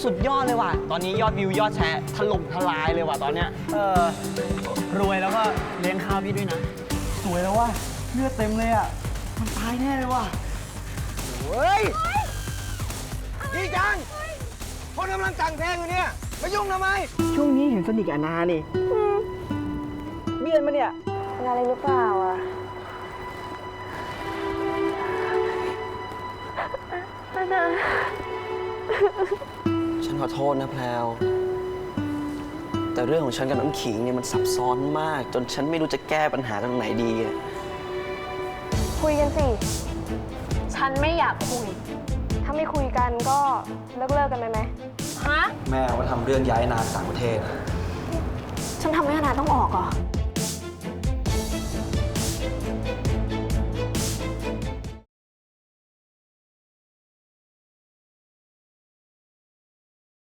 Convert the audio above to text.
สุดยอดเลยว่ะตอนนี้ยอดวิวยอดแชร์ถล่มทลายเลยว่ะตอนเนี้ยรวยแล้วก็เลี้ยงข้าวพี่ด้วยนะสวยแล้วว่ะเลือดเต็มเลยอ่ะมันตายแน่เลยว่ะเฮ้ยดีจังคนกำลังแต่งเพลงอยู่เนี่ยมายุ่งทำไมช่วงนี้เห็นสนิทกับนานี่เบี้ยนมาเนี่ยเป็นอะไรหรือเปล่าอ่ะนาฉันขอโทษนะแพลวแต่เรื่องของฉันกับน้ำขิงเนี่ยมันซับซ้อนมากจนฉันไม่รู้จะแก้ปัญหาตรงไหนดีอะคุยกันสิ ฉันไม่อยากคุย ถ้าไม่คุยกันก็เลิกกันไปไหมฮะแม่ว่าทำเรื่องย้ายนาต่างประเทศฉันทำให้นาต้องออกเหรอ